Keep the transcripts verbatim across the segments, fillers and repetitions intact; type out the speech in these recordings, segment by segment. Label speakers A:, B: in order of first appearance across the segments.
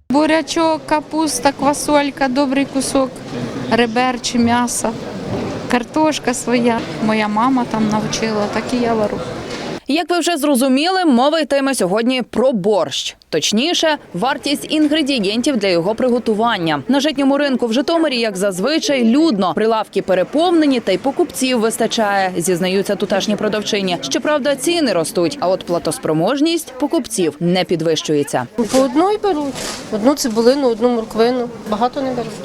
A: Бурячок, капуста, квасолька, добрий кусок, ребер чи м'яса, картошка своя. Моя мама там навчила, так і я варю.
B: Як ви вже зрозуміли, мова йтиме сьогодні про борщ. Точніше, вартість інгредієнтів для його приготування. На житньому ринку в Житомирі, як зазвичай, людно. Прилавки переповнені та й покупців вистачає, зізнаються тутешні продавчині. Щоправда, ціни ростуть, а от платоспроможність покупців не підвищується.
C: По одну й беруть. Одну цибулину, одну морквину. Багато не беруть.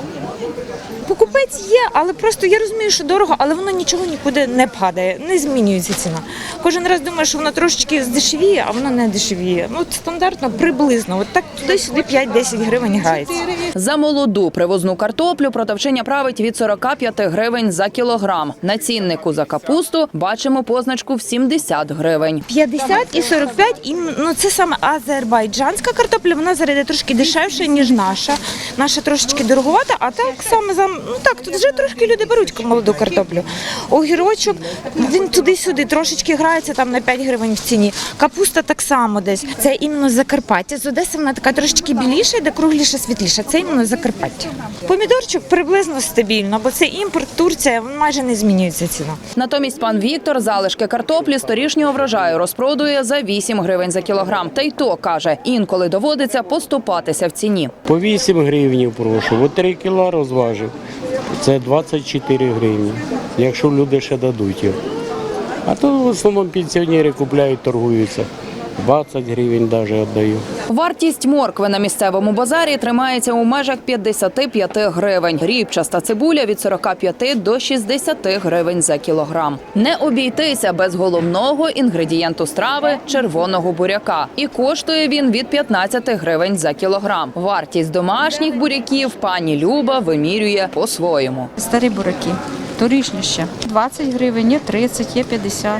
D: Покупець є, але просто я розумію, що дорого, але воно нічого нікуди не падає, не змінюється ціна. Кожен раз думаю, що воно трошечки здешевіє, а воно не дешевіє. Ну, стандартно, приблизно, от так туди-сюди п'ять-десять гривень грається.
B: За молоду привозну картоплю продавчиня править від сорока п'яти гривень за кілограм. На ціннику за капусту бачимо позначку в сімдесят гривень.
D: п'ятдесят і сорок п'ять, і ну, це саме азербайджанська картопля, вона зараз йде трошки дешевше, ніж наша. Наша трошечки дороговата, а так саме за ну так, тут вже трошки люди беруть молоду картоплю. Огірочок, він туди-сюди трошечки грається там на п'ять гривень в ціні. Капуста так само десь. Це іменно Закарпаття. З Одеси вона така трошечки біліша, де кругліша, світліша. Це іменно Закарпаття. Помідорчик приблизно стабільно, бо це імпорт, Турція, майже не змінюється ціна.
B: Натомість пан Віктор залишки картоплі з торішнього врожаю розпродує за вісім гривень за кілограм. Та й то, каже, інколи доводиться поступатися в ціні.
E: По вісім гривень прошу, от три кіла розважив. Це двадцять чотири гривні, якщо люди ще дадуть його. А то в основному пенсіонери купляють, торгуються. двадцять гривень навіть віддаю.
B: Вартість моркви на місцевому базарі тримається у межах п'ятдесят п'ять гривень. Ріпчаста цибуля від сорока п'яти до шістдесяти гривень за кілограм. Не обійтися без головного інгредієнту страви – червоного буряка. І коштує він від п'ятнадцяти гривень за кілограм. Вартість домашніх буряків пані Люба вимірює по-своєму.
A: Старі бураки, торішні ще. двадцять гривень, є тридцять, є п'ятдесят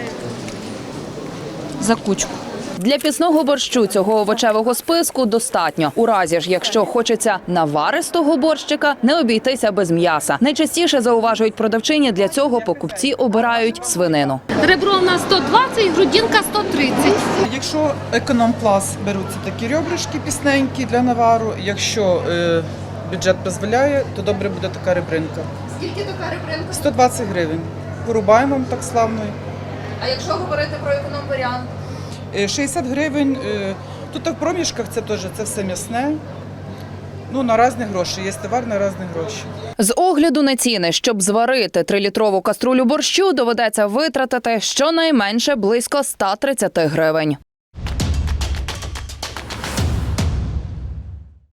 A: за кучку.
B: Для пісного борщу цього овочевого списку достатньо. У разі ж, якщо хочеться наваристого борщика, не обійтися без м'яса. Найчастіше, зауважують продавчині, для цього покупці обирають свинину.
C: Ребро у нас сто двадцять, грудинка сто тридцять.
F: Якщо економ-клас, беруться такі ребрышки пісненькі для навару. Якщо е, бюджет дозволяє, то добре буде така ребринка.
B: Скільки така ребринка?
F: сто двадцять гривень. Порубаємо так славно.
B: А якщо говорити про економ-варіант?
F: шістдесят гривень. Тут в проміжках це теж це все м'ясне. Ну, на різні гроші. Є товар на різні гроші.
B: З огляду на ціни, щоб зварити трилітрову каструлю борщу, доведеться витратити щонайменше близько ста тридцяти гривень.